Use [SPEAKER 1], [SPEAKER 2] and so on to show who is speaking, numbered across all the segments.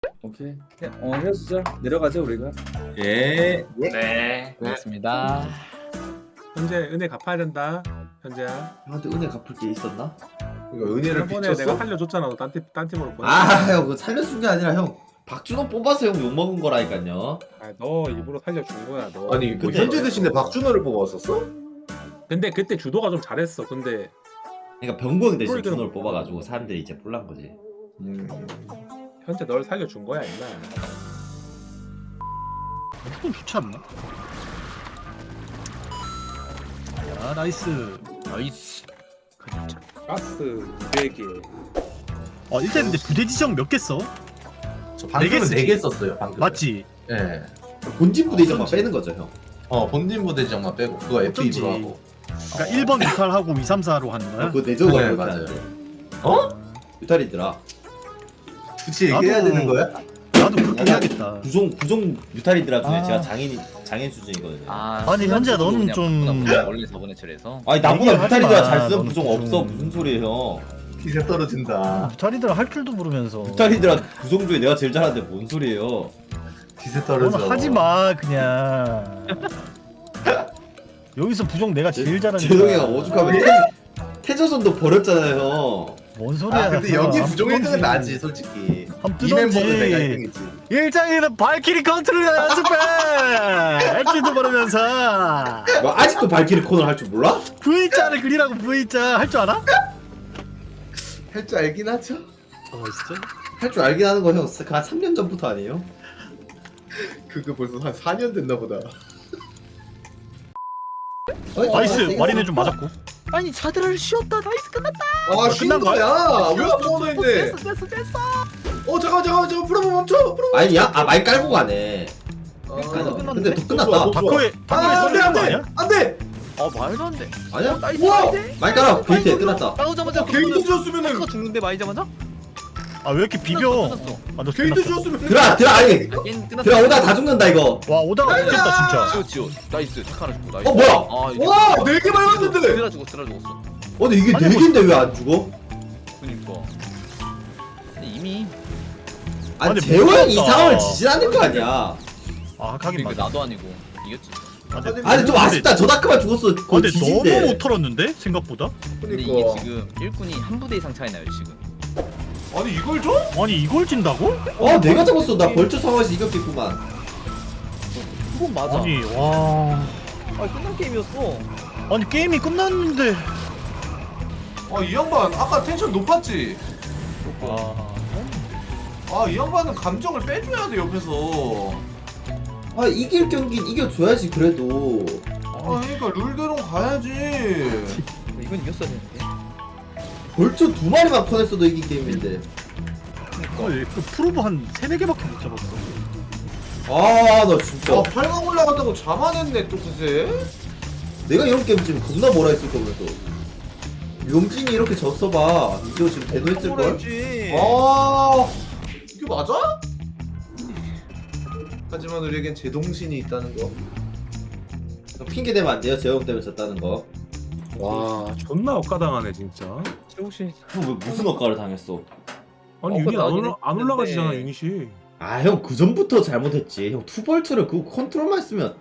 [SPEAKER 1] 오케이. 헤어지자. 내려가자 우리가.
[SPEAKER 2] 예.
[SPEAKER 3] 네.
[SPEAKER 4] 고맙습니다.
[SPEAKER 5] 현재 은혜 갚아야 된다. 현재야.
[SPEAKER 6] 형한테 은혜 갚을 게 있었나?
[SPEAKER 2] 이거 은혜를
[SPEAKER 5] 저번에 내가
[SPEAKER 2] 비쳤어?
[SPEAKER 5] 살려줬잖아. 너 딴 팀으로 보내.
[SPEAKER 6] 형 그거 살려준 게 아니라 형 박준호 뽑아서 형 욕먹은 거라니까요.
[SPEAKER 5] 너 일부러 살려준 거야. 너.
[SPEAKER 2] 아니 뭐
[SPEAKER 6] 근데-
[SPEAKER 2] 현재 대신에 박준호를 뽑았었어?
[SPEAKER 5] 근데 그때 주도가 좀 잘했어. 근데
[SPEAKER 6] 그러니까 병구형 대신
[SPEAKER 5] 그러니까-
[SPEAKER 6] 준호를 뽑아가지고 사람들이 이제 몰란 거지.
[SPEAKER 5] 현재 널 살려준 거야 임마.
[SPEAKER 7] 조금 좋지 않나? 야 나이스.
[SPEAKER 4] 나이스.
[SPEAKER 5] 가스 200개.
[SPEAKER 7] 일단 근데 부대 지정 몇 개 써?
[SPEAKER 2] 저
[SPEAKER 7] 네
[SPEAKER 2] 방금은
[SPEAKER 7] 개
[SPEAKER 2] 4개 썼어요 방금.
[SPEAKER 7] 맞지?
[SPEAKER 2] 예.
[SPEAKER 6] 본진 부대장만 빼는 거죠 형.
[SPEAKER 2] 본진 부대장만 빼고 그거
[SPEAKER 7] 어쩐지.
[SPEAKER 2] F2로 하고.
[SPEAKER 7] 그러니까 1번 유탈하고 2, 3, 4로 하는 거야?
[SPEAKER 6] 그거 내적으로
[SPEAKER 2] 네,
[SPEAKER 6] 그렇게
[SPEAKER 2] 맞아요.
[SPEAKER 6] 하는데. 유탈이더라.
[SPEAKER 2] 굳이
[SPEAKER 7] 나도-
[SPEAKER 2] 얘기해야 되는 거야?
[SPEAKER 7] 나도 그렇게 해야겠다.
[SPEAKER 6] 부종 유탈이더라 중에
[SPEAKER 7] 아.
[SPEAKER 6] 제가 장인 수준이거든요.
[SPEAKER 7] 아니, 현재야, 너는 좀-
[SPEAKER 4] 원래 저번에 처리해서.
[SPEAKER 6] 아니 나보다
[SPEAKER 7] 얘기를 하지
[SPEAKER 6] 유탈이더라
[SPEAKER 7] 마.
[SPEAKER 6] 잘 쓰는
[SPEAKER 7] 너는
[SPEAKER 6] 부종
[SPEAKER 7] 부종.
[SPEAKER 6] 없어. 무슨 소리예요 형.
[SPEAKER 2] 기세 떨어진다.
[SPEAKER 7] 유탈이들 할 줄도 모르면서.
[SPEAKER 6] 유탈이더라 부종 중에 내가 제일 잘하는데 뭔 소리예요.
[SPEAKER 2] 기세 떨어져.
[SPEAKER 7] 너는 하지 마 그냥. 여기서 부종 내가 제일 잘하는
[SPEAKER 6] 재동이 형 오죽하면 태조선도 버렸잖아요.
[SPEAKER 7] 뭔 소리야?
[SPEAKER 2] 근데 여기
[SPEAKER 7] 한번
[SPEAKER 2] 부종 1등은
[SPEAKER 7] 뜨던지.
[SPEAKER 2] 나지 솔직히.
[SPEAKER 7] 한번
[SPEAKER 2] 이 멤버는 내가
[SPEAKER 7] 뜨던지.
[SPEAKER 2] 1등이지.
[SPEAKER 7] 일장에는 발키리 컨트롤 연습해. 액기도 모르면서
[SPEAKER 6] 뭐 아직도 발키리 코너 할 줄 몰라?
[SPEAKER 7] V자를 그리라고 V자 할 줄 알아?
[SPEAKER 2] 할 줄 알긴 하죠.
[SPEAKER 7] 진짜?
[SPEAKER 6] 할 줄 알긴 하는 거 형. 한 3년 전부터 아니에요?
[SPEAKER 2] 그거 벌써 한 4년 됐나 보다.
[SPEAKER 7] 나이스 마리는 좀 맞았고.
[SPEAKER 4] 아니 자들을 쉬었다. 나이스 끝났다.
[SPEAKER 2] 아 쉰
[SPEAKER 7] 끝난 거야?
[SPEAKER 2] 거야? 왜 아무거나 있네? 잠깐만 프로모 멈춰. 프로모.
[SPEAKER 6] 아니야? 아 많이 깔고 가네. 근데 더 끝났다.
[SPEAKER 7] 바코에 써주는 거 아니야?
[SPEAKER 2] 안돼.
[SPEAKER 4] 아 말도 안 돼.
[SPEAKER 6] 아니야?
[SPEAKER 4] 나이스.
[SPEAKER 2] 우와!
[SPEAKER 4] 나이스.
[SPEAKER 6] 많이 깔아. 게이트에 끝났다.
[SPEAKER 4] 싸우자마자
[SPEAKER 2] 게이트 주었으면은
[SPEAKER 4] 거 죽는데 말이자마자?
[SPEAKER 7] 아 왜 이렇게 비벼?
[SPEAKER 4] 끝났어.
[SPEAKER 7] 아너
[SPEAKER 2] 게이트
[SPEAKER 7] 끝났어.
[SPEAKER 2] 주었으면
[SPEAKER 6] 들어 아니.
[SPEAKER 4] 게임 끝났어.
[SPEAKER 6] 들어 오다 다 죽는다 이거.
[SPEAKER 7] 와 오다가 죽겠다 진짜.
[SPEAKER 4] 지워. 나이스. 착하나 죽고 나이스.
[SPEAKER 6] 뭐야?
[SPEAKER 4] 아 이거.
[SPEAKER 2] 와 4개 밟았는데.
[SPEAKER 4] 드라 죽었어.
[SPEAKER 6] 근데 이게
[SPEAKER 7] 아니,
[SPEAKER 6] 4개인데 왜 안 죽어?
[SPEAKER 4] 그니까. 근데 이미
[SPEAKER 6] 아니
[SPEAKER 7] 아니,
[SPEAKER 6] 재호 형이 이
[SPEAKER 7] 모르겠다.
[SPEAKER 6] 상황을 지지하는 거 아니야.
[SPEAKER 7] 아 하긴
[SPEAKER 4] 그러니까
[SPEAKER 7] 맞아.
[SPEAKER 4] 나도 아니고 이겼지.
[SPEAKER 6] 아니 좀 아쉽다. 저 다크만 죽었어. 거의
[SPEAKER 7] 근데 너무
[SPEAKER 6] 지진데.
[SPEAKER 7] 못 털었는데 생각보다?
[SPEAKER 4] 근데 이게
[SPEAKER 2] 그러니까.
[SPEAKER 4] 지금 일꾼이 한 부대 이상 차이 나요 지금.
[SPEAKER 2] 아니 이걸 줘?
[SPEAKER 7] 아니 이걸 진다고?
[SPEAKER 6] 내가 잡았어. 나 벌처 상황에서 이겼겠구만.
[SPEAKER 4] 그건 맞아.
[SPEAKER 7] 아니 와.
[SPEAKER 4] 끝난 게임이었어.
[SPEAKER 7] 아니 게임이 끝났는데.
[SPEAKER 2] 이 양반 아까 텐션 높았지? 이 양반은 감정을 빼줘야 돼 옆에서.
[SPEAKER 6] 이길 경기는 이겨줘야지 그래도.
[SPEAKER 2] 그러니까 룰대로 가야지.
[SPEAKER 4] 이건 이겼어야 되는데.
[SPEAKER 6] 벌처 2마리만 퍼냈어도 이긴 게임인데.
[SPEAKER 7] 그 프로브 한 3, 4개밖에 못 잡았어.
[SPEAKER 6] 나 진짜.
[SPEAKER 2] 8강 올라갔다고 자만했네 또 그새.
[SPEAKER 6] 내가 이런 게임 지금 겁나 뭐라 했을 거면서. 용진이 이렇게 졌어봐. 이거 지금 대노했을걸?
[SPEAKER 2] 이게 맞아? 하지만 우리에겐 제동신이 있다는 거.
[SPEAKER 6] 핑계 대면 안 돼요. 재호 형 때문에 졌다는 거.
[SPEAKER 5] 와 존나 억까당하네 진짜.
[SPEAKER 4] 혹시
[SPEAKER 6] 형 왜 무슨 억까를 당했어?
[SPEAKER 5] 아니
[SPEAKER 4] 억까
[SPEAKER 5] 유닛
[SPEAKER 4] 나긴
[SPEAKER 5] 안
[SPEAKER 4] 했는데.
[SPEAKER 5] 올라가지잖아 유닛이.
[SPEAKER 6] 형 그 전부터 잘못했지. 형 투벌처를 그거 컨트롤만 했으면.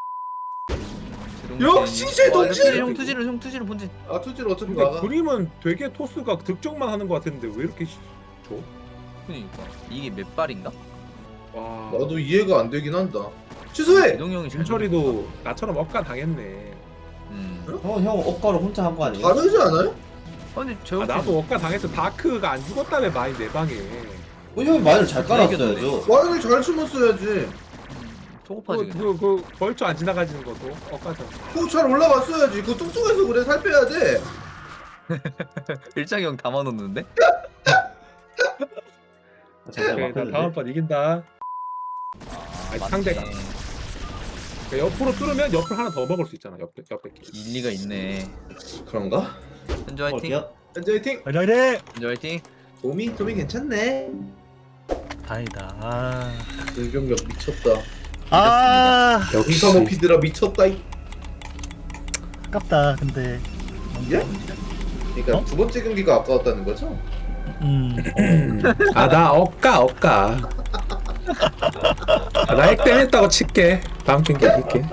[SPEAKER 2] 역시 제동신!
[SPEAKER 4] 형 투지를 본진.
[SPEAKER 2] 투지를 어차피
[SPEAKER 5] 근데
[SPEAKER 2] 막아.
[SPEAKER 5] 그림은 되게 토스가 득점만 하는 것 같았는데 왜 이렇게 줘?
[SPEAKER 4] 그러니까 이게 몇 발인가?
[SPEAKER 5] 와.
[SPEAKER 2] 나도 이해가 안 되긴 한다. 취소해!
[SPEAKER 4] 이동 형이
[SPEAKER 5] 김철이도 나처럼 억까 당했네.
[SPEAKER 6] 형 억까를 혼자 한 거 아니에요?
[SPEAKER 2] 다르지 않아요?
[SPEAKER 4] 아니 저
[SPEAKER 5] 나도 억까 당했어. 다크가 안 죽었다며 마인 내 방에.
[SPEAKER 6] 형이 마인을 잘 깔았어야죠.
[SPEAKER 2] 와인을 잘 심었어야지.
[SPEAKER 4] 소급하지.
[SPEAKER 5] 그 벌초 안 지나가지는 것도 억까죠.
[SPEAKER 2] 그거 잘 올라갔어야지. 그거 뚱뚱해서 그래. 살 빼야 돼.
[SPEAKER 4] 일장이 형 담아놓는데?
[SPEAKER 5] 오케이, 나 다음번 이긴다. 아니, 상대가. 그러니까 옆으로 뚫으면 옆을 하나 더 먹을 수 있잖아. 옆에
[SPEAKER 4] 일리가 있네.
[SPEAKER 2] 그런가?
[SPEAKER 4] 현주 화이팅.
[SPEAKER 2] 현재 화이팅!
[SPEAKER 7] 그래.
[SPEAKER 4] 현주 화이팅.
[SPEAKER 2] 도미 괜찮네.
[SPEAKER 7] 다행이다.
[SPEAKER 2] 불경력 미쳤다.
[SPEAKER 7] 여기서
[SPEAKER 2] 뭐 피드라 미쳤다.
[SPEAKER 7] 아깝다 근데.
[SPEAKER 2] 이게? 그러니까 두 번째 경기가 아까웠다는 거죠?
[SPEAKER 5] 아 나 억까. 아, 나 액땜했다고 칠게. 다음 경기 이길게.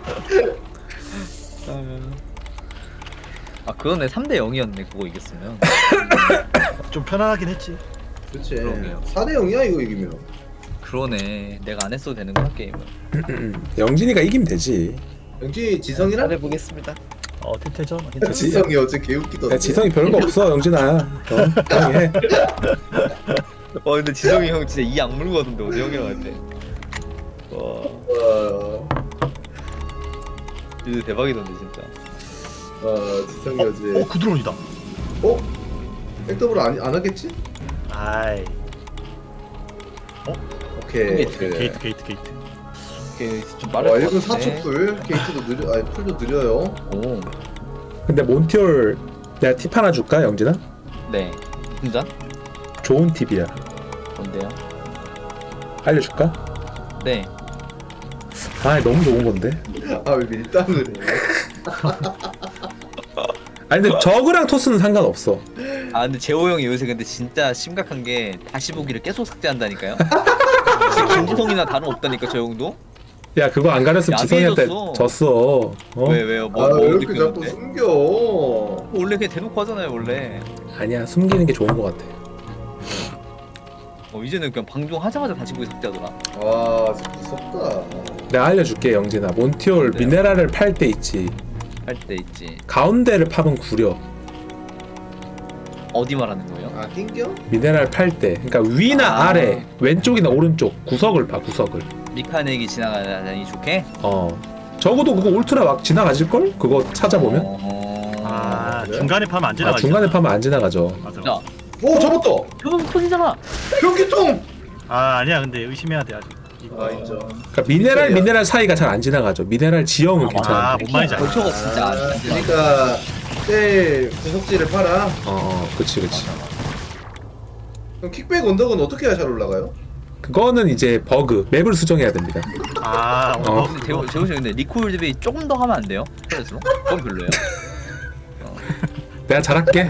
[SPEAKER 4] 아 그러네 3대 0이었네 그거 이겼으면.
[SPEAKER 7] 좀 편안하긴 했지.
[SPEAKER 6] 그렇지.
[SPEAKER 4] 그러게요.
[SPEAKER 6] 4대 0이야 이거 이기면.
[SPEAKER 4] 그러네 내가 안 했어도 되는구나 게임을.
[SPEAKER 5] 영진이가 이기면 되지.
[SPEAKER 6] 영지 지성이랑?
[SPEAKER 4] 잘해보겠습니다.
[SPEAKER 7] 팀태전. 괜찮지.
[SPEAKER 6] 지성이 어제 개웃기던데.
[SPEAKER 5] 야, 지성이 별거 없어 영진아. 그냥 해.
[SPEAKER 4] 와 근데 지성이 형 진짜 이 악물고 하던데 어제 형이랑 할 때. 와 이제 대박이던데 진짜.
[SPEAKER 6] 지성이 어제.
[SPEAKER 7] 구드론이다.
[SPEAKER 6] 백더블 안 하겠지?
[SPEAKER 7] 아이.
[SPEAKER 6] 오케이.
[SPEAKER 7] 게이트.
[SPEAKER 4] 이게 좀
[SPEAKER 6] 와
[SPEAKER 4] 빠를
[SPEAKER 6] 1분
[SPEAKER 4] 것
[SPEAKER 6] 4초
[SPEAKER 4] 같은데.
[SPEAKER 6] 풀. 게이트도 느려. 아니 풀도 느려요.
[SPEAKER 4] 오.
[SPEAKER 5] 근데 몬티올 내가 팁 하나 줄까 영진아?
[SPEAKER 4] 네. 혼자?
[SPEAKER 5] 좋은 팁이야.
[SPEAKER 4] 뭔데요?
[SPEAKER 5] 알려줄까?
[SPEAKER 4] 네.
[SPEAKER 5] 아 너무 좋은 건데.
[SPEAKER 6] 아 왜 밀당을 해?
[SPEAKER 5] 아니 근데 저그랑 토스는 상관없어.
[SPEAKER 4] 아 근데 재호 형이 요새 근데 진짜 심각한 게 다시 보기를 계속 삭제한다니까요. 김지성이나 다름없다니까 저 형도.
[SPEAKER 5] 야 그거 안 가렸으면 지성이한테
[SPEAKER 4] 야비해졌어.
[SPEAKER 5] 졌어.
[SPEAKER 4] 왜요? 뭐
[SPEAKER 6] 왜 이렇게 자꾸
[SPEAKER 4] 느꼈는데?
[SPEAKER 6] 숨겨?
[SPEAKER 4] 원래 그냥 대놓고 하잖아요 원래.
[SPEAKER 5] 아니야 숨기는 게 좋은 것 같아.
[SPEAKER 4] 이제는 그냥 방종하자마자 다시 보기 삭제하더라.
[SPEAKER 6] 와 진짜 무섭다.
[SPEAKER 5] 내가 알려줄게 영진아. 몬티올
[SPEAKER 4] 네.
[SPEAKER 5] 미네랄을 팔 때 있지.
[SPEAKER 4] 할 때 있지.
[SPEAKER 5] 가운데를 파면 구려.
[SPEAKER 4] 어디 말하는 거예요?
[SPEAKER 6] 아 낑겨?
[SPEAKER 5] 미네랄 팔 때. 그러니까 위나
[SPEAKER 4] 아.
[SPEAKER 5] 아래, 왼쪽이나 오른쪽 구석을 봐 구석을.
[SPEAKER 4] 미카넥이 지나가니 좋게?
[SPEAKER 5] 적어도 그거 울트라 막 지나가질 걸? 그거 찾아보면.
[SPEAKER 7] 아
[SPEAKER 6] 그래?
[SPEAKER 7] 중간에 파면 안
[SPEAKER 5] 아,
[SPEAKER 7] 지나가지.
[SPEAKER 5] 중간에 파면 안 지나가죠.
[SPEAKER 7] 맞아.
[SPEAKER 4] 야,
[SPEAKER 6] 오 잡았다.
[SPEAKER 4] 표정 터지잖아.
[SPEAKER 6] 변기통.
[SPEAKER 7] 아 아니야 근데 의심해야 돼 아직. 이거.
[SPEAKER 6] 아 인정.
[SPEAKER 5] 그러니까 미네랄 사이가 잘 안 지나가죠. 미네랄 지형은 괜찮아.
[SPEAKER 7] 뭔 말인지 알겠다.
[SPEAKER 4] 벌초가 진짜 안 되네.
[SPEAKER 6] 그러니까 제일 구석지를 팔아.
[SPEAKER 5] 그치.
[SPEAKER 6] 그럼 킥백 언덕은 어떻게 해야 잘 올라가요?
[SPEAKER 5] 그거는 이제 버그. 맵을 수정해야 됩니다.
[SPEAKER 7] 아
[SPEAKER 4] 근데 재호 씨 근데 리콜 대비 조금 더 하면 안 돼요? 스트레스로? 그건 별로예요.
[SPEAKER 5] 내가 잘할게.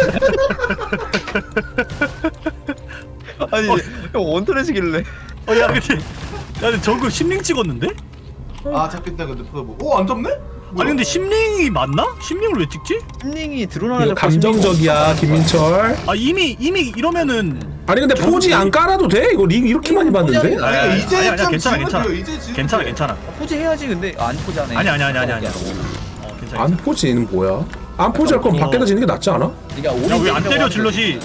[SPEAKER 4] 아니 형 원터렛이길래.
[SPEAKER 7] 야 근데 저거 심링 찍었는데?
[SPEAKER 6] 아 잡겠다 근데 프로브. 오안 잡네?
[SPEAKER 7] 아니 근데 심링이 맞나? 심링을 왜 찍지?
[SPEAKER 4] 힐링이 드러나는
[SPEAKER 5] 이거 감정적이야 김민철.
[SPEAKER 7] 아 이미 이러면은
[SPEAKER 5] 아니 근데 포지 안 깔아도 돼? 이거 링 이렇게 많이 봤는데?
[SPEAKER 4] 포지
[SPEAKER 7] 아니,
[SPEAKER 6] 이제
[SPEAKER 7] 아니야,
[SPEAKER 6] 참
[SPEAKER 7] 괜찮아,
[SPEAKER 6] 지우면
[SPEAKER 7] 괜찮아.
[SPEAKER 6] 돼요, 이제 지우면
[SPEAKER 7] 괜찮아
[SPEAKER 6] 돼요.
[SPEAKER 7] 괜찮아.
[SPEAKER 4] 포즈 해야지 근데 안 포즈하네.
[SPEAKER 7] 아니야. 괜찮아.
[SPEAKER 5] 안 포지는 뭐야? 안 포지 할 거면 밖에다 지는 게 낫지 않아?
[SPEAKER 4] 그러니까
[SPEAKER 7] 야 왜 안 때려 질럿이?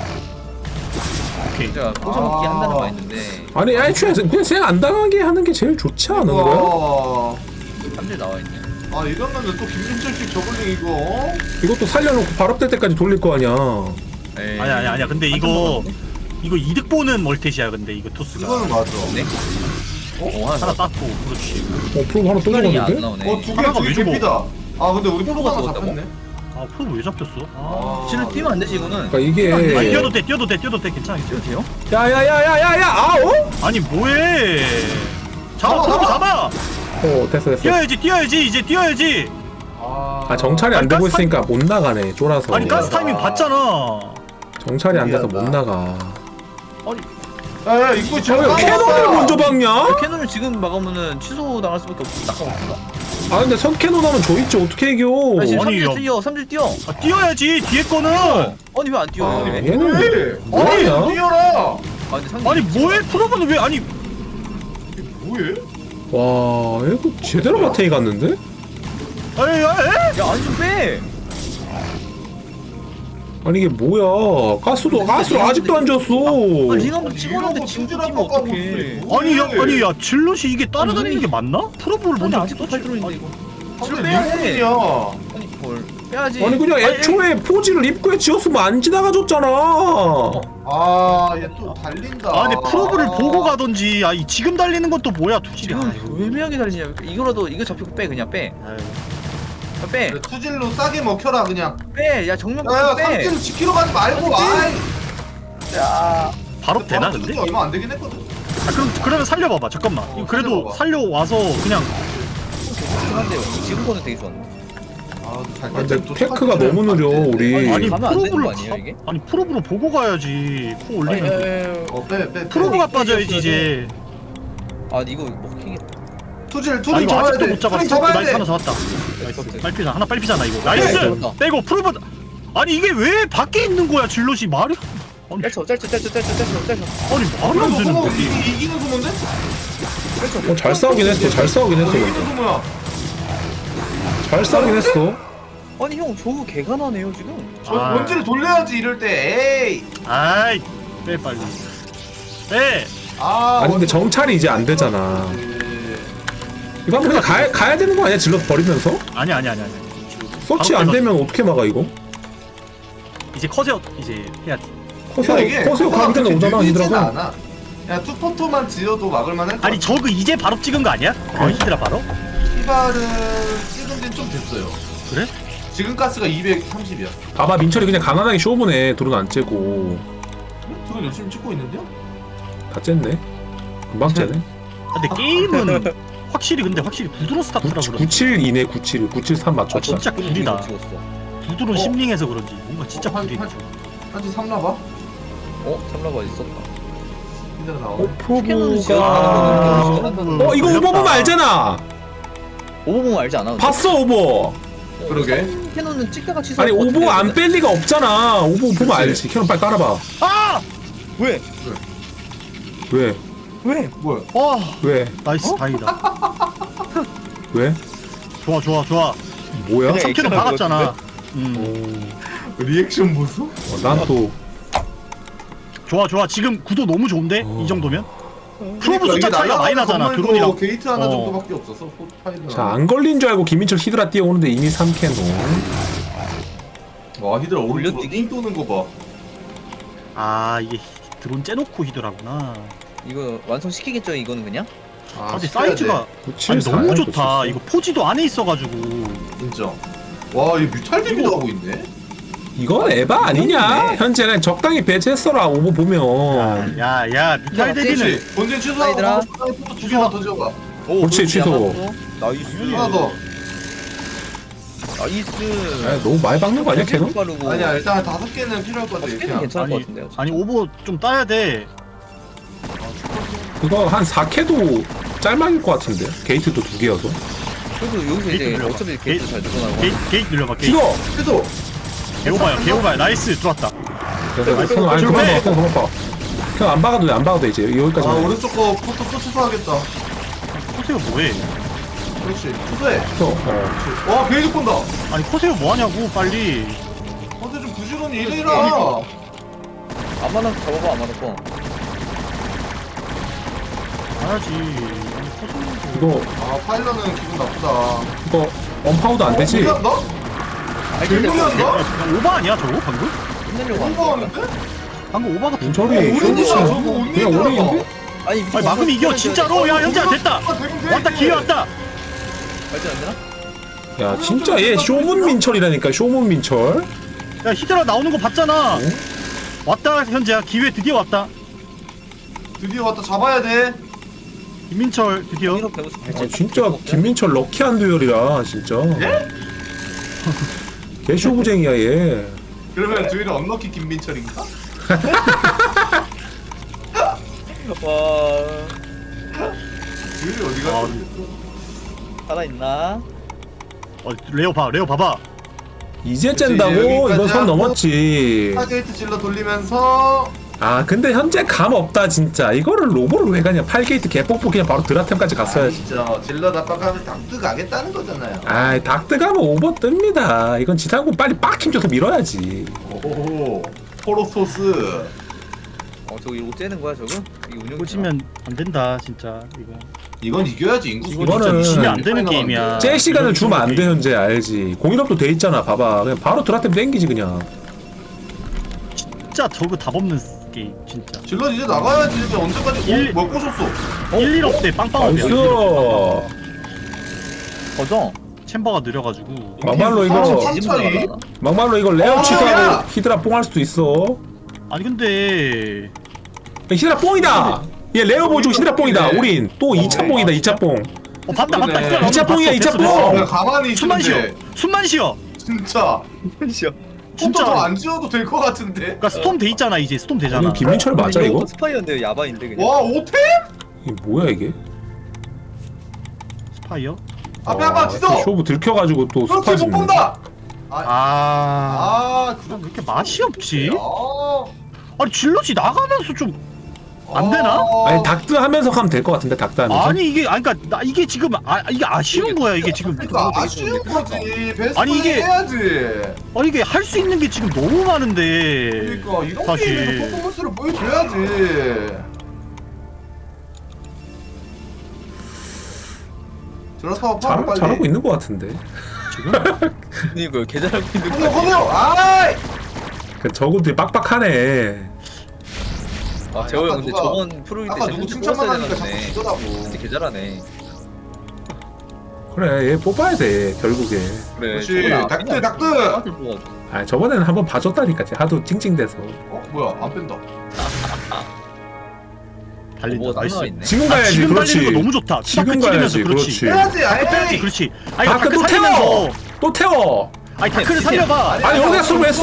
[SPEAKER 7] 오케이.
[SPEAKER 4] 진짜 포즈 먹기 한다는 거 있는데
[SPEAKER 5] 아니 애초에 그냥 생 안 당하게 하는 게 제일 좋지 않은 거야?
[SPEAKER 6] 와.
[SPEAKER 4] 3대 나와 있네.
[SPEAKER 6] 아 이러면은 또 김민철식 저글링 이거.
[SPEAKER 5] 이것도 살려놓고 발업될 때까지 돌릴 거 아니야.
[SPEAKER 4] 에이.
[SPEAKER 7] 아니야. 근데 이거 이득 보는 멀티시야 근데 이거 토스가.
[SPEAKER 6] 이거는 맞아.
[SPEAKER 4] 네? 하나
[SPEAKER 7] 하나
[SPEAKER 4] 땄.
[SPEAKER 7] 땄고 그렇지.
[SPEAKER 5] 프로 하나 또
[SPEAKER 4] 안
[SPEAKER 5] 먹었는데?
[SPEAKER 4] 나오네.
[SPEAKER 7] 하나가
[SPEAKER 6] 두개
[SPEAKER 7] 왜 죽어?
[SPEAKER 6] 개피다. 아 근데 우리
[SPEAKER 4] 프로가
[SPEAKER 6] 프로가
[SPEAKER 4] 죽었다고?
[SPEAKER 6] 잡혔네.
[SPEAKER 7] 아 프로 왜 잡혔어? 아.
[SPEAKER 4] 실은 뛰면 안 되지 이거는.
[SPEAKER 5] 그러니까 이게
[SPEAKER 7] 아 뛰어도 돼 괜찮아.
[SPEAKER 4] 뛰어도 돼요?
[SPEAKER 5] 야야야야야야 아오?
[SPEAKER 7] 아니 뭐해? 잡아 프로 잡아.
[SPEAKER 5] 됐어.
[SPEAKER 7] 뛰어야지 이제 뛰어야지.
[SPEAKER 5] 아 정찰이 안
[SPEAKER 7] 아니,
[SPEAKER 5] 되고
[SPEAKER 7] 가스
[SPEAKER 5] 있으니까 못 나가네 쫄아서.
[SPEAKER 7] 아니 가스 타이밍 봤잖아.
[SPEAKER 5] 정찰이 안 돼서 못
[SPEAKER 6] 미안하다.
[SPEAKER 5] 나가.
[SPEAKER 6] 야 이거
[SPEAKER 5] 왜
[SPEAKER 6] 지금
[SPEAKER 5] 캐논을 먼저 박냐?
[SPEAKER 4] 캐논을 지금 막으면 취소 당할 수밖에 없어. 낙하먹습니다.
[SPEAKER 5] 아 근데 선캐논 하면 저 있지 어떻게 이겨?
[SPEAKER 4] 아니 지금
[SPEAKER 7] 아니,
[SPEAKER 4] 3줄
[SPEAKER 7] 야.
[SPEAKER 4] 뛰어. 3줄 뛰어.
[SPEAKER 7] 아, 뛰어야지 뒤에 거는.
[SPEAKER 4] 아니 왜 안 뛰어?
[SPEAKER 5] 아
[SPEAKER 4] 왜?
[SPEAKER 5] 얘는
[SPEAKER 6] 왜?
[SPEAKER 5] 뭐하냐?
[SPEAKER 6] 뛰어라.
[SPEAKER 4] 근데 상대
[SPEAKER 7] 아니 뭐해 프로브는 왜 아니
[SPEAKER 6] 뭐해?
[SPEAKER 5] 와 이거 제대로 마테이 갔는데?
[SPEAKER 7] 아니
[SPEAKER 4] 야 안 좀 빼.
[SPEAKER 5] 아니 이게 뭐야? 가스를 아직도 안 줬어.
[SPEAKER 4] 링 한번 찍었는데 지금 뛰면 어떡해.
[SPEAKER 7] 아니 야 질럿이 이게 따라다니는 게 맞나? 프로브를
[SPEAKER 4] 아니
[SPEAKER 7] 먼저
[SPEAKER 4] 아직도 팔 들어있는데 이거. 지금
[SPEAKER 6] 근데
[SPEAKER 4] 빼야 돼.
[SPEAKER 6] 리콜이야.
[SPEAKER 4] 아니 뭘 빼야지.
[SPEAKER 5] 아니 그냥 애초에 포지를 입구에 지었으면 안 지나가줬잖아.
[SPEAKER 6] 아얘 또 달린다.
[SPEAKER 7] 아 근데 프로브를 보고 가던지 아 지금 달리는 건 또 뭐야 투질이.
[SPEAKER 4] 지금 왜 애매하게 달리냐. 이거라도 이거 잡히고 빼 그냥 빼. 빼.
[SPEAKER 6] 그래, 투질로 싸게 먹혀라 그냥.
[SPEAKER 4] 빼. 야 정면
[SPEAKER 6] 야
[SPEAKER 4] 빼.
[SPEAKER 6] 삼진을 지키러 가지 말고. 아이.
[SPEAKER 4] 야.
[SPEAKER 7] 바로 되나 근데?
[SPEAKER 6] 게 얼마 안 되긴 했거든.
[SPEAKER 7] 아 그러면 살려봐봐 잠깐만. 이거 그래도
[SPEAKER 6] 살려봐봐.
[SPEAKER 7] 살려와서 그냥
[SPEAKER 4] 한데요. 지금 거는 되게 좋았네.
[SPEAKER 6] 아
[SPEAKER 1] 근데 테크가 너무 느려 우리.
[SPEAKER 7] 아니
[SPEAKER 4] 가면 안 되는
[SPEAKER 7] 프로브를
[SPEAKER 4] 거 아니에요, 이게?
[SPEAKER 7] 아니 프로브로 보고 가야지. 코 올리면
[SPEAKER 2] 빼.
[SPEAKER 7] 프로브가 빠져야지 이제.
[SPEAKER 4] 아 이거 먹히겠.
[SPEAKER 2] 투질
[SPEAKER 7] 아
[SPEAKER 2] 투질
[SPEAKER 7] 이거
[SPEAKER 2] 잡아야
[SPEAKER 7] 아직도
[SPEAKER 2] 돼.
[SPEAKER 7] 못 잡았어.
[SPEAKER 2] 투질 잡아야
[SPEAKER 7] 나이스
[SPEAKER 2] 돼.
[SPEAKER 7] 하나 잡았다. 나이스. 빨피잖아. 하나 빨피잖아 이거. 나이스.
[SPEAKER 4] 잡았다.
[SPEAKER 7] 빼고 프로브. 아니 이게 왜 밖에 있는 거야 질럿이 말이? 아니
[SPEAKER 4] 짤쳐.
[SPEAKER 7] 아니 말이 안 되는데.
[SPEAKER 2] 이기는 소문데?
[SPEAKER 1] 잘 싸우긴 했어. 잘 싸우긴 했어.
[SPEAKER 2] 이기는 소문이야.
[SPEAKER 1] 잘 싸우긴 했어.
[SPEAKER 4] 아니 형 저거 개가나네요 지금.
[SPEAKER 2] 원지를 돌려야지 이럴 때. 에이.
[SPEAKER 7] 아이 빼 빨리. 빼.
[SPEAKER 1] 아니 근데 정찰이 이제 안 되잖아. 이거 한번 그냥 가야 되는 거 아니야? 질럿 버리면서?
[SPEAKER 7] 아니.
[SPEAKER 1] 서치 안 되면 어떻게 막아 이거?
[SPEAKER 7] 이제 커세어 이제 해야지.
[SPEAKER 1] 커세어 가기 전에 오잖아 얘들아.
[SPEAKER 2] 않아. 야 투포토만 지어도 막을만할 것
[SPEAKER 7] 아니
[SPEAKER 2] 같아.
[SPEAKER 7] 저그 이제 바로 찍은 거 아니야?
[SPEAKER 1] 아니.
[SPEAKER 7] 히드라 바로?
[SPEAKER 2] 히바를 찍은 지는 좀 됐어요.
[SPEAKER 7] 그래?
[SPEAKER 2] 지금 가스가 230이야.
[SPEAKER 1] 봐봐 민철이 그냥 가난하게 쇼보네. 드론 안 째고
[SPEAKER 2] 드론 열심히 찍고 있는데요?
[SPEAKER 1] 다 쨌네. 금방 째네.
[SPEAKER 7] 근데 게임은 확실히 부드러운 스타트라 그런지
[SPEAKER 1] 97이네 97 맞췄다.
[SPEAKER 7] 진짜 구리다.
[SPEAKER 4] 찍었어.
[SPEAKER 7] 부드러운 심링해서 그런지 뭔가 진짜 구리.
[SPEAKER 2] 한지 3라바?
[SPEAKER 4] 참라가 어디 있었다.
[SPEAKER 2] 히드라 나오네.
[SPEAKER 1] 프로브가 이거 오버 보면 알잖아.
[SPEAKER 4] 오버 보면 알지 않아?
[SPEAKER 1] 봤어 오버.
[SPEAKER 2] 그러게.
[SPEAKER 4] 캐논은 찍다가 취소.
[SPEAKER 1] 아니 오버 안 뺄 리가 없잖아. 오버 보면 알지. 캐논 빨리 깔아봐.
[SPEAKER 7] 아!
[SPEAKER 4] 왜?
[SPEAKER 1] 왜?
[SPEAKER 2] 뭐야?
[SPEAKER 7] 와
[SPEAKER 1] 왜?
[SPEAKER 7] 나이스 다행이다.
[SPEAKER 1] 왜?
[SPEAKER 7] 좋아.
[SPEAKER 1] 뭐야?
[SPEAKER 4] 그래.
[SPEAKER 7] 3킬은 박았잖아.
[SPEAKER 2] 리액션 보소?
[SPEAKER 1] 난 또
[SPEAKER 7] 좋아. 지금 구도 너무 좋은데 이 정도면? 프로브
[SPEAKER 2] 그러니까
[SPEAKER 7] 숫자
[SPEAKER 2] 이게
[SPEAKER 7] 차이가 많이
[SPEAKER 2] 날아가는
[SPEAKER 7] 나잖아.
[SPEAKER 2] 건물도
[SPEAKER 7] 드론이랑.
[SPEAKER 2] 게이트 하나
[SPEAKER 7] 어.
[SPEAKER 2] 정도밖에 없어서 파일은.
[SPEAKER 1] 자, 안 걸린 줄 알고 김민철 히드라 뛰어오는데 이미 3캐논.
[SPEAKER 2] 와 히드라 오른쪽으로
[SPEAKER 4] 올려뛰기?
[SPEAKER 2] 띵 도는 거 봐.
[SPEAKER 7] 아 이게 드론 째놓고 히드라구나.
[SPEAKER 4] 이거 완성시키겠죠 이거는 그냥?
[SPEAKER 7] 아 근데
[SPEAKER 2] 시켜야 돼.
[SPEAKER 7] 사이즈가
[SPEAKER 1] 97,
[SPEAKER 7] 아니 너무
[SPEAKER 1] 4야,
[SPEAKER 7] 좋다.
[SPEAKER 1] 97.
[SPEAKER 7] 이거 포지도 안에 있어가지고.
[SPEAKER 2] 인정. 와 이거 뮤탈 데미도 하고 있네.
[SPEAKER 1] 이건 에바 아니냐? 현재 그냥 적당히 배치했어라 오버 보면.
[SPEAKER 7] 야 미탈 대비는
[SPEAKER 2] 그렇지. 본진
[SPEAKER 4] 사이드라.
[SPEAKER 2] 취소하고 두 개만 더 지어봐.
[SPEAKER 1] 그렇지, 취소.
[SPEAKER 4] 나이스.
[SPEAKER 2] 하나 더.
[SPEAKER 4] 나이스.
[SPEAKER 1] 아, 너무 많이 박는 거 아니야 캐논?
[SPEAKER 4] 빠르고.
[SPEAKER 2] 아니야 일단 5개는 필요할 것 같아.
[SPEAKER 4] 스캔은
[SPEAKER 2] 그냥.
[SPEAKER 4] 괜찮을 것 같은데요.
[SPEAKER 7] 아니 오버 좀 따야 돼.
[SPEAKER 1] 그거 한 4캐도 짤막일 것 같은데. 게이트도 2개여서.
[SPEAKER 4] 그래도 여기서 이제
[SPEAKER 7] 게이트
[SPEAKER 4] 어차피
[SPEAKER 7] 들어가.
[SPEAKER 4] 게이트 잘 들어가고.
[SPEAKER 7] 게이트 늘려봐. 게이트.
[SPEAKER 1] 이거.
[SPEAKER 2] 취소.
[SPEAKER 7] 개오바야. 나이스 들어왔다.
[SPEAKER 1] 캐논 아니 그만 봐. 캐논 안 박아도 돼. 안 박아도 돼 이제
[SPEAKER 2] 아
[SPEAKER 1] 여기까지.
[SPEAKER 2] 오른쪽 거 포토 또 취소하겠다.
[SPEAKER 7] 코세오 뭐해?
[SPEAKER 2] 그렇지. 취소해.
[SPEAKER 1] 어.
[SPEAKER 2] 와 게이트 본다.
[SPEAKER 7] 아니 코세오 뭐하냐고 빨리.
[SPEAKER 2] 어제 좀 부지런히 일해라.
[SPEAKER 4] 안마당 잡아봐 안마당 거.
[SPEAKER 7] 가야지. 아니 코세오.
[SPEAKER 1] 이거
[SPEAKER 2] 아 파일럿은 기분 나쁘다.
[SPEAKER 1] 이거 언파우도 안 되지?
[SPEAKER 2] 무리한다? 무리한다?
[SPEAKER 7] 오바 아니야 저거 방금?
[SPEAKER 4] 끝내려고 하는
[SPEAKER 2] 오버
[SPEAKER 4] 거야.
[SPEAKER 2] 하는데?
[SPEAKER 7] 방금 오바 같은.
[SPEAKER 1] 민철이
[SPEAKER 2] 오른이야 저거
[SPEAKER 1] 그냥
[SPEAKER 2] 온리더라고.
[SPEAKER 1] 오른인데?
[SPEAKER 4] 아니
[SPEAKER 7] 아니 막으면 이겨 진짜로. 야 현재야 됐다. 왔다 기회 왔다.
[SPEAKER 4] 발전 안 되나?
[SPEAKER 1] 야 진짜 얘 쇼문 민철이라니까 쇼문 민철.
[SPEAKER 7] 야 히드라 나오는 거 봤잖아. 왔다 현재야 기회 드디어 왔다.
[SPEAKER 2] 드디어 왔다 잡아야 돼.
[SPEAKER 7] 김민철 드디어.
[SPEAKER 4] 이거 배우스
[SPEAKER 1] 아
[SPEAKER 4] 발전.
[SPEAKER 1] 진짜 김민철 럭키한 듀얼이라 진짜. 개쇼부쟁이야 얘.
[SPEAKER 2] 그러면 듀얼이 언럭키 김민철인가?
[SPEAKER 4] 와
[SPEAKER 2] 듀얼이 어디
[SPEAKER 7] 아,
[SPEAKER 2] 갔어?
[SPEAKER 4] 살아 있나?
[SPEAKER 7] 레오 봐봐.
[SPEAKER 1] 이제
[SPEAKER 2] 그치,
[SPEAKER 1] 쨘다고?
[SPEAKER 2] 여기까지
[SPEAKER 1] 이거 선
[SPEAKER 2] 하고
[SPEAKER 1] 넘었지.
[SPEAKER 2] 타게이트 질러 돌리면서
[SPEAKER 1] 아 근데 현재 감 없다 진짜. 이거를 로보를 왜 가냐. 8게이트 개뻑뻑 그냥 바로 드라템까지 갔어야지.
[SPEAKER 2] 진짜 질러 답박하면 닥트 가겠다는 거잖아요.
[SPEAKER 1] 아이 닥트 가면 오버 뜹니다. 이건 지상군 빨리 빡힘 줘서 밀어야지.
[SPEAKER 2] 오 포로토스.
[SPEAKER 4] 저거 이거 째는 거야 저거? 이거 운영.
[SPEAKER 7] 꽂히면 안 된다 진짜 이거.
[SPEAKER 2] 이건 이겨야지 인구.
[SPEAKER 7] 이거
[SPEAKER 1] 이거는
[SPEAKER 7] 진짜 지면 안 되는 게임이야.
[SPEAKER 1] 제 시간을 주면 안 돼 현재 알지. 공인업도 돼 있잖아. 봐봐. 그냥 바로 드라템 땡기지 그냥.
[SPEAKER 7] 진짜 저거 답 없는 게임 진짜.
[SPEAKER 2] 질러 이제 나가야지. 이제 언제까지 뭐 꼬셨어?
[SPEAKER 7] 1-1업 때 빵빵업이야.
[SPEAKER 1] 나이스.
[SPEAKER 4] 거죠?
[SPEAKER 7] 챔버가 느려가지고.
[SPEAKER 1] 막말로 이거
[SPEAKER 2] 삼천이?
[SPEAKER 1] 막말로 이거 레어
[SPEAKER 2] 야!
[SPEAKER 1] 취소하고 히드라 뽕 할 수도 있어.
[SPEAKER 7] 아니 근데
[SPEAKER 1] 히드라 뽕이다. 얘 레어 보여주고 히드라 뽕이다. 우린 또 2차 뽕이다. 2차 뽕.
[SPEAKER 7] 봤다.
[SPEAKER 2] 그러네.
[SPEAKER 7] 히드라 나오는 거
[SPEAKER 1] 2차 뽕이야,
[SPEAKER 7] 봤어.
[SPEAKER 1] 2차
[SPEAKER 7] 됐어,
[SPEAKER 1] 뽕.
[SPEAKER 7] 됐어.
[SPEAKER 2] 가만히
[SPEAKER 7] 숨만 쉬어.
[SPEAKER 2] 있는데.
[SPEAKER 7] 숨만 쉬어.
[SPEAKER 2] 진짜.
[SPEAKER 4] 진짜.
[SPEAKER 2] 진짜
[SPEAKER 7] 진짜.
[SPEAKER 2] 더안 지워도 될 것 같은데.
[SPEAKER 7] 그러니까 스톰 돼 있잖아 이제 스톰 되잖아.
[SPEAKER 1] 이거 김민철 맞아 이거?
[SPEAKER 4] 스파이어인데 야바인데 그냥.
[SPEAKER 2] 와 5템?
[SPEAKER 1] 이게 뭐야 이게?
[SPEAKER 7] 스파이어?
[SPEAKER 2] 앞에 한번 지도.
[SPEAKER 1] 쇼부 들켜가지고 또
[SPEAKER 2] 그렇지
[SPEAKER 1] 스파
[SPEAKER 2] 못
[SPEAKER 1] 짓네.
[SPEAKER 2] 본다.
[SPEAKER 7] 아,
[SPEAKER 2] 그럼
[SPEAKER 7] 왜 이렇게 맛이 없지?
[SPEAKER 2] 아.
[SPEAKER 7] 아니 질럿이 나가면서 좀 안 되나?
[SPEAKER 1] 아니 닥트 하면서 가면 될 것 같은데 닥트 하면서.
[SPEAKER 7] 아니 이게 아니 그러니까 나 이게 지금 이게 아쉬운 거야 이게 지금.
[SPEAKER 2] 그러니까 아쉬운 거지. 베스트
[SPEAKER 7] 아니, 이게-
[SPEAKER 2] 해야지.
[SPEAKER 7] 아니 이게 할 수 있는 게 지금 너무 많은데.
[SPEAKER 2] 그러니까 이런
[SPEAKER 7] 사실.
[SPEAKER 2] 게임에서 퍼포먼스를 보여줘야지. 저렇다고 파워 빨리.
[SPEAKER 1] 잘하고 있는 것 같은데.
[SPEAKER 4] 이거 개잘하고 있는
[SPEAKER 2] 커세요
[SPEAKER 4] 거.
[SPEAKER 2] 커세요. 아이.
[SPEAKER 1] 그 저것들이 빡빡하네.
[SPEAKER 4] 아 재호 형 근데
[SPEAKER 2] 누가-
[SPEAKER 4] 저번 프로일 때
[SPEAKER 2] 아까
[SPEAKER 4] 진짜
[SPEAKER 2] 누구 칭찬만
[SPEAKER 4] 뽑았어야
[SPEAKER 2] 하니까 자꾸
[SPEAKER 4] 되는데
[SPEAKER 2] 지더라고.
[SPEAKER 4] 진짜 개잘하네.
[SPEAKER 1] 그래 얘 뽑아야 돼 결국에.
[SPEAKER 4] 그래.
[SPEAKER 2] 그렇지. 닥트, 닥트!
[SPEAKER 1] 아 저번에는 한번 봐줬다니까 하도 찡찡대서.
[SPEAKER 2] 어 뭐야 안 뺀다.
[SPEAKER 7] 달린다.
[SPEAKER 4] 뭐가
[SPEAKER 7] 나이스.
[SPEAKER 4] 나와 있네.
[SPEAKER 1] 지금 가야지
[SPEAKER 7] 지금
[SPEAKER 1] 그렇지.
[SPEAKER 7] 달리는 거 너무 좋다.
[SPEAKER 1] 지금
[SPEAKER 7] 다크 찍으면서
[SPEAKER 1] 가야지
[SPEAKER 7] 그렇지.
[SPEAKER 1] 그렇지.
[SPEAKER 2] 해야지.
[SPEAKER 7] 빼야지
[SPEAKER 2] 아이.
[SPEAKER 7] 그렇지. 아니
[SPEAKER 1] 다크
[SPEAKER 7] 다크
[SPEAKER 1] 또
[SPEAKER 7] 살리면서.
[SPEAKER 1] 태워. 또 태워.
[SPEAKER 7] 아니 다크를 살려봐.
[SPEAKER 1] 아니 여기다 쓰고 왜 써?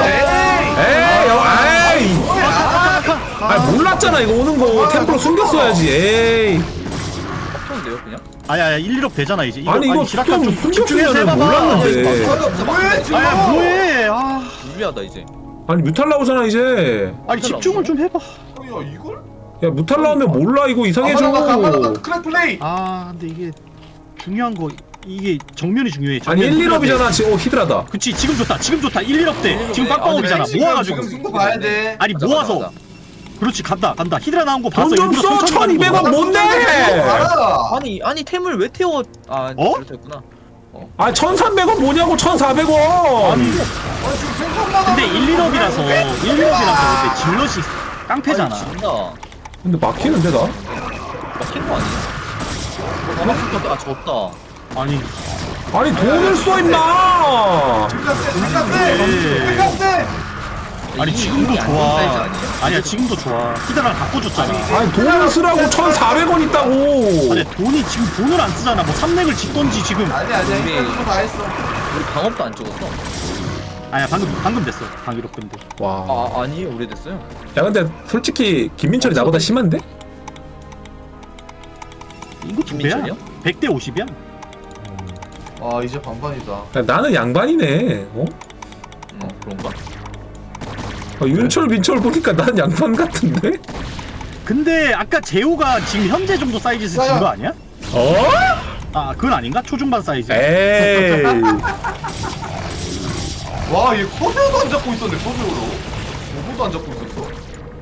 [SPEAKER 1] 에이. 아 몰랐잖아 이거 오는 거 템포로 숨겼어야지. 에이.
[SPEAKER 4] 빡쳤는데요 그냥?
[SPEAKER 7] 아야 1, 1업 되잖아 이제.
[SPEAKER 1] 아니 이거
[SPEAKER 7] 지락한 좀
[SPEAKER 1] 숨겼으면
[SPEAKER 7] 집중해서 해봐봐.
[SPEAKER 1] 몰랐는데.
[SPEAKER 2] 뭐해 지금?
[SPEAKER 7] 아야 뭐해? 아
[SPEAKER 4] 무리하다 이제.
[SPEAKER 1] 아니 뮤탈 나오잖아 이제.
[SPEAKER 7] 아니 집중을 좀 해봐.
[SPEAKER 2] 야 이걸?
[SPEAKER 1] 야 뮤탈 나오면 몰라 이거 이상해져.
[SPEAKER 2] 크랙 플레이.
[SPEAKER 7] 아 근데 이게 중요한 거 이게 정면이 중요해.
[SPEAKER 1] 아니
[SPEAKER 7] 정면
[SPEAKER 1] 1, 1업이잖아 지금. 히드라다.
[SPEAKER 7] 그치 지금 좋다. 지금 좋다. 1, 1업 때. 지금 빡빡업이잖아. 모아가지고.
[SPEAKER 2] 지금 승부 봐야 돼.
[SPEAKER 7] 아니
[SPEAKER 4] 가자,
[SPEAKER 7] 모아서.
[SPEAKER 4] 가자.
[SPEAKER 7] 그렇지 간다. 히드라 나온 거 봤어.
[SPEAKER 1] 돈 좀
[SPEAKER 7] 일부러
[SPEAKER 1] 써.
[SPEAKER 7] 천천히 가는
[SPEAKER 1] 1200원
[SPEAKER 7] 거야.
[SPEAKER 1] 뭔데?
[SPEAKER 2] 알아.
[SPEAKER 4] 아니 템을 왜 태워? 아
[SPEAKER 7] 어?
[SPEAKER 4] 그렇다했구나.
[SPEAKER 1] 아 1300원 뭐냐고 1400원.
[SPEAKER 2] 아니 지금 생각나가.
[SPEAKER 7] 근데 1, 1업이라서 1, 1업이라서 근데 질럿이 깡패잖아.
[SPEAKER 4] 진다.
[SPEAKER 1] 근데 막히는데 나?
[SPEAKER 4] 막힌 거 아니야? 아 졌다.
[SPEAKER 7] 아니
[SPEAKER 1] 아니 돈을 써 임마.
[SPEAKER 2] 생각해.
[SPEAKER 7] 아니 지금도
[SPEAKER 4] 이게
[SPEAKER 7] 좋아.
[SPEAKER 4] 사이즈 아니에요?
[SPEAKER 7] 아니야 지금도 좋아. 히드라랑 바꿔줬잖아.
[SPEAKER 1] 아니 돈을 쓰라고 1400원 있다고.
[SPEAKER 7] 아니 돈이 지금 돈을 안 쓰잖아. 뭐 삼렉을 짓던지 지금.
[SPEAKER 2] 아니야
[SPEAKER 4] 우리-
[SPEAKER 2] 이거 다 했어.
[SPEAKER 4] 우리 방업도 안 찍었어.
[SPEAKER 7] 아니야 방금 됐어. 방위로 근데.
[SPEAKER 1] 와.
[SPEAKER 4] 아 아니 오래됐어요.
[SPEAKER 1] 야 근데 솔직히 김민철이 나보다 심한데?
[SPEAKER 7] 이거 두 배야.
[SPEAKER 4] 김민철이요?
[SPEAKER 7] 100대 50이야.
[SPEAKER 2] 아 이제 반반이다.
[SPEAKER 1] 야, 나는 양반이네. 어?
[SPEAKER 4] 그런가?
[SPEAKER 1] 윤철 민철 보니까 나는 양반 같은데?
[SPEAKER 7] 근데 아까 제호가 지금 현재 정도 사이즈에서 진 거 아니야?
[SPEAKER 1] 어?
[SPEAKER 7] 아 그건 아닌가? 초중반 사이즈.
[SPEAKER 1] 에이.
[SPEAKER 2] 와얘 커세어도 안 잡고 있었네 커세어로. 로고도 안 잡고 있었어.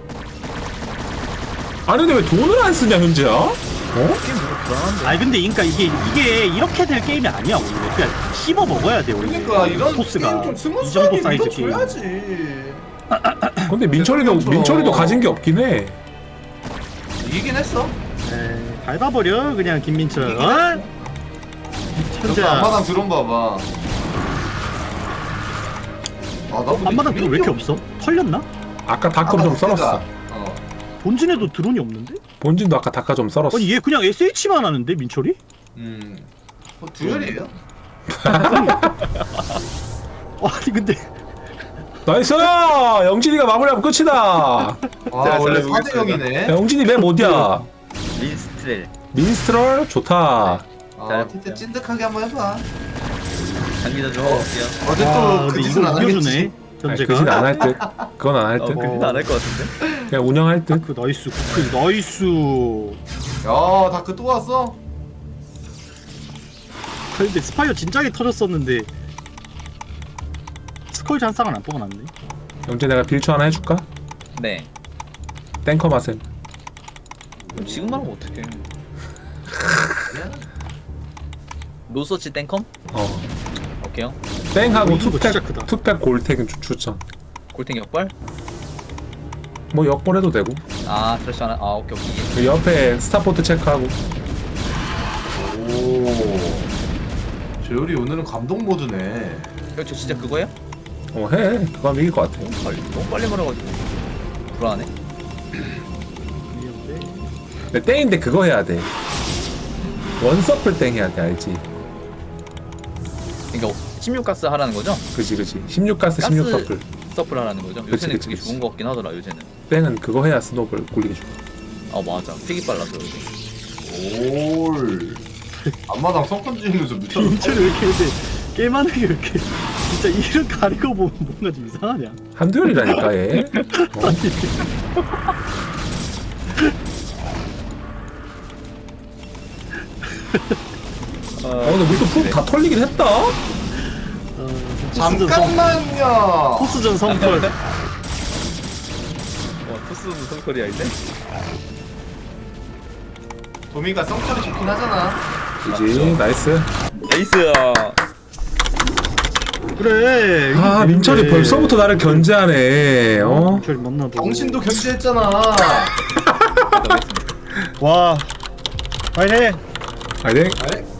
[SPEAKER 1] 아니 근데 왜 돈을 안 쓰냐 현재야? 어?
[SPEAKER 7] 아니 근데 그러니까 이게 이렇게 될 게임이 아니야 원래. 그냥 씹어 먹어야 돼 원래.
[SPEAKER 2] 그러니까 이런
[SPEAKER 7] 토스가
[SPEAKER 2] 게임 좀
[SPEAKER 7] 이 정도
[SPEAKER 2] 스무스하게
[SPEAKER 7] 사이즈 게임.
[SPEAKER 2] 밀어줘야지.
[SPEAKER 1] 근데 민철이도 가진 게 없긴 해.
[SPEAKER 2] 이기긴 했어.
[SPEAKER 7] 에이, 밟아버려 그냥 김민철.
[SPEAKER 2] 이기긴
[SPEAKER 7] 어?
[SPEAKER 2] 했어. 저도
[SPEAKER 7] 현재야.
[SPEAKER 2] 앞마당 드론 봐봐. 아, 나 근데
[SPEAKER 7] 앞마당 드론 왜 이렇게 없어? 털렸나?
[SPEAKER 1] 아까 다크 좀 썰었어.
[SPEAKER 7] 본진에도 드론이 없는데?
[SPEAKER 1] 본진도 아까 다카 좀 썰었어.
[SPEAKER 7] 아니 얘 그냥 SH만 하는데 민철이?
[SPEAKER 2] 듀얼이에요?
[SPEAKER 7] 아니 근데
[SPEAKER 1] 나이스! 영진이가 마무리하면 끝이다.
[SPEAKER 2] 아 원래
[SPEAKER 4] 잘
[SPEAKER 2] 4대 0이네.
[SPEAKER 1] 야, 영진이 맵 어디야?
[SPEAKER 4] 민스트렐.
[SPEAKER 1] 민스트럴 좋다.
[SPEAKER 2] 아 진짜 찐득하게 한번 해봐.
[SPEAKER 4] 장기자 좀 해볼게요.
[SPEAKER 2] 어제
[SPEAKER 7] 아,
[SPEAKER 2] 또그
[SPEAKER 7] 근데
[SPEAKER 2] 짓은
[SPEAKER 7] 이거
[SPEAKER 2] 안
[SPEAKER 7] 이겨주네
[SPEAKER 2] 하겠지.
[SPEAKER 7] 현재가.
[SPEAKER 1] 그짓 안 할 듯. 그건 안 할 듯.
[SPEAKER 4] 그건 안할 것 같은데.
[SPEAKER 1] 그냥 운영할 듯.
[SPEAKER 7] 그 나이스 그 나이스.
[SPEAKER 2] 야 다크 또 왔어?
[SPEAKER 7] 근데 스파이어 진작에 터졌었는데 스컬지 한 쌍은 안 뽑아놨네.
[SPEAKER 1] 영진 내가 빌초 하나 해줄까?
[SPEAKER 4] 네.
[SPEAKER 1] 땡커 맛은.
[SPEAKER 4] 그럼 지금 말하면 어떡해. 노서치 땡컴?
[SPEAKER 1] 어.
[SPEAKER 4] 오케이요.
[SPEAKER 1] 땡하고
[SPEAKER 7] 이거 진짜 크다.
[SPEAKER 1] 투팩 골택은 추천.
[SPEAKER 4] 골탱 역발?
[SPEAKER 1] 뭐 역벌해도 되고.
[SPEAKER 4] 아 트래시 하나. 아 오케이.
[SPEAKER 1] 그 옆에 스타포트 체크하고.
[SPEAKER 2] 오. 재열이 오늘은 감동 모드네.
[SPEAKER 4] 저 진짜 그거예요?
[SPEAKER 1] 해. 그거 하면 이길 것 같아.
[SPEAKER 4] 너무 빨리 말해가지고 불안해.
[SPEAKER 1] 근데 땡인데 그거 해야 돼. 원서플 땡 해야 돼 알지?
[SPEAKER 4] 그러니까 16가스 하라는 거죠?
[SPEAKER 1] 그지 16가스 16서클.
[SPEAKER 4] 서플 하라는 거죠?
[SPEAKER 1] 그치,
[SPEAKER 4] 요새는
[SPEAKER 1] 그치,
[SPEAKER 4] 그게
[SPEAKER 1] 그치.
[SPEAKER 4] 좋은 거 같긴 하더라 요새는.
[SPEAKER 1] 뺑은 그거 해야 스노우볼 굴리기 좋아.
[SPEAKER 4] 아 맞아. 픽이 빨라서 요새.
[SPEAKER 2] 올 앞마당 성권 지으면서 미쳐.
[SPEAKER 7] 인체를 왜 이렇게 근데 게임하는 게 왜 이렇게 진짜 이름 가리고 보면 뭔가 좀 이상하냐?
[SPEAKER 1] 한두열이라니까 얘. 근데 우리 또 프로 다 털리긴 했다.
[SPEAKER 2] 잠깐만요.
[SPEAKER 7] 포스전 성털.
[SPEAKER 4] 토스는 성소리야 이제?
[SPEAKER 2] 도미가 성철이 좋긴 하잖아.
[SPEAKER 1] 그지 나이스.
[SPEAKER 4] 에이스.
[SPEAKER 7] 그래.
[SPEAKER 1] 아 민철이 벌써부터 나를 견제하네. 어?
[SPEAKER 7] 별 만나도.
[SPEAKER 2] 당신도 견제했잖아.
[SPEAKER 7] 와. 파이팅.
[SPEAKER 1] 아니
[SPEAKER 2] 아이,